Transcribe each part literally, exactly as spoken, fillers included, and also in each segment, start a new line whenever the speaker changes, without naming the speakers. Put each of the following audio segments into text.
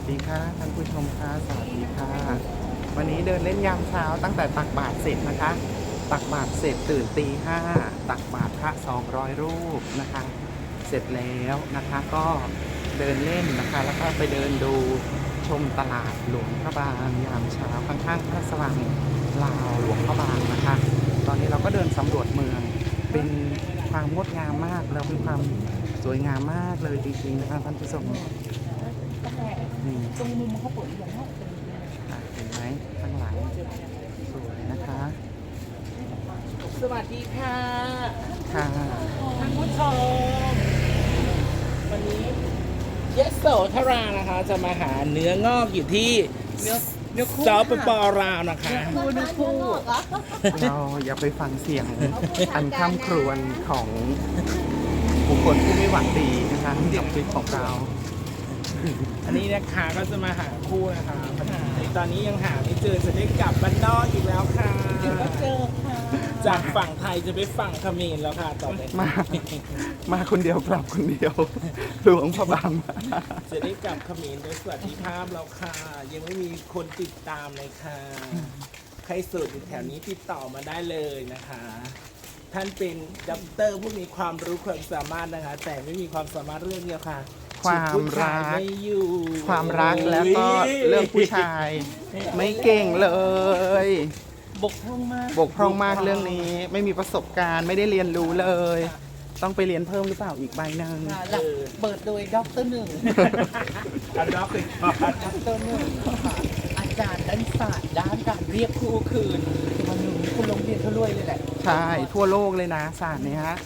ดีค่ะท่านผู้ชมค่ะสวัสดีค่ะวันนี้เดินเล่นยามเช้าตั้งแต่ตักบาตรเสร็จนะคะตักบาตรเสร็จตื่นตีห้าตักบาตรพระสองร้อยรูปนะคะเสร็จแล้วนะคะก็เดินเล่นนะคะแล้วก็ไปเดินดูชมตลาดหลวงพระบางยามเช้าข้างๆพระสว่างลาวหลวงพระบางนะคะตอนนี้เราก็เดินสำรวจเมืองเป็นความงดงามมากแล้วเป็นความสวยงามมากเลยจริงๆนะคะท่านผู้ชมนี่
ตรงมุมเขาเปิดอย่างนั้น
อ่ะเห็นไหมข้างหลังสวยนะคะ
สวัสดีค่ะ
ค่ะ
ท่านผู้ชมวันนี้เยสโสธรานะคะ จะมาหาเนื้องอกอยู่ที่เนื้อเนื้อคู่สปปลาวนะคะ
คู่เนื้อคู่
เราอย่าไปฟังเสียงอันข้ามครวญของบุคคลผู้ไม่หวังดีนะคะกับคลิปของเรา
อันนี้นะคะก็จะมาหาคู่นะคะในตอนนี้ยังหาไม่เจอจะได้กลับบ้านนอกอีกแล้วค่ะเดี๋ยวก็เจอค่ะจากฝั่งไทยจะไปฝั่งเขมรแล้วค่ะต่อไป
มา มาคนเดียวกลับคนเดียวหลวงพระบางมา
จะได้กลับเขมรโดยสวัสดิภาพแล้วค่ะ ยังไม่มีคนติดตามเลยค่ะ ใครสูตรอยู่แถวนี้ติดต่อมาได้เลยนะคะ ท่านเป็นด็อกเตอร์ผู้มีความรู้ความสามารถนะคะ แต่ไม่มีความสามารถเรื่องเดียวค่ะ
ความรัก
ไม่อยู่
ความรักแล้วก็เรื่องผู้ชาย ไม่เก่งเลย
บกพร่องมาก
บกพร่องมากเรื่องนี้ไม่มีประสบการณ์ไม่ได้เรียนรู้เลย ต้องไปเรียนเพิ่มหรือเปล่าอีกใบหนึ่ง
ค่ะหลักเปิดโดยด็อกเตอร์หนึ่ง อันด็อกเตอร์ด็อกเตอร์หนึ่งค่ะอาจารย์ด้านศาสตร์ด้านการเรียกคู่คืนวันหนึ่งคุณโรงเรียนเขารวยเลยแหละ
ใช่ทั่วโลกเลยนะศาสตร์เนี้ย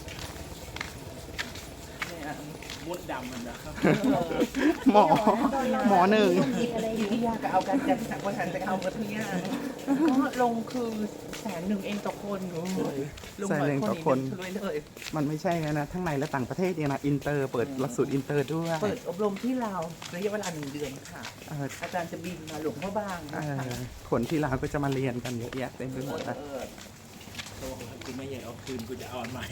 มดดำมันนะครับ
หมอหมอหนึ่ง
อยู่ที่ยากก็เอากันจากสังวัฒนจะเอามาที่ยากก็ลงคือแสนหนึ่งเองต่อคนเลยลง
แสนหนึ่งต่อคน
รวยเลย
มันไม่ใช่นะ ทั้งในและต่างประเทศเนี่ยนะอินเตอร์เปิดหลักสูตรอินเตอร์ด้วย
เปิดอบรมที่ลาวระยะเวลาหนึ่งเดือนค่ะ
เอ่อ
อาจารย์จะบินมาหลวงพ่อบาง
เอ่
นะคะ
อคนที่ลาวก็จะมาเรียนกันเยอะแยะเต็มไปหมดนะ
เออโอ้โหกูไม่อยากเอาคืนกูจะเอาอันใหม่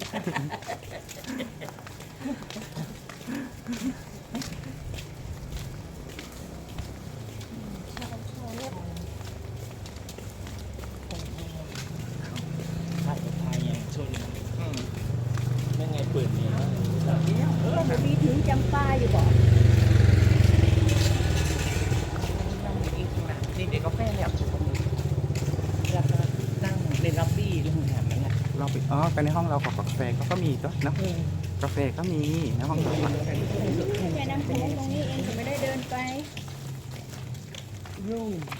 ถ่ายกับไทยยังชนไม่ไงเปิดเนี่ย
เออมันมีถึงจำปาอยู่บ่
นั่งอีกนะนี่เด็กกาแฟเนี่ยแล้วก็นั่งในล็อบบี้โรงแรมนั่นแหละ
เราไปอ๋อไปในห้องเรากับกาแฟก็ก็มีก็นะกาแฟก็มีในห้องเราอะ
แค่น้ำโขงตรงนี้เองจะไม่ได้เดินไป
รู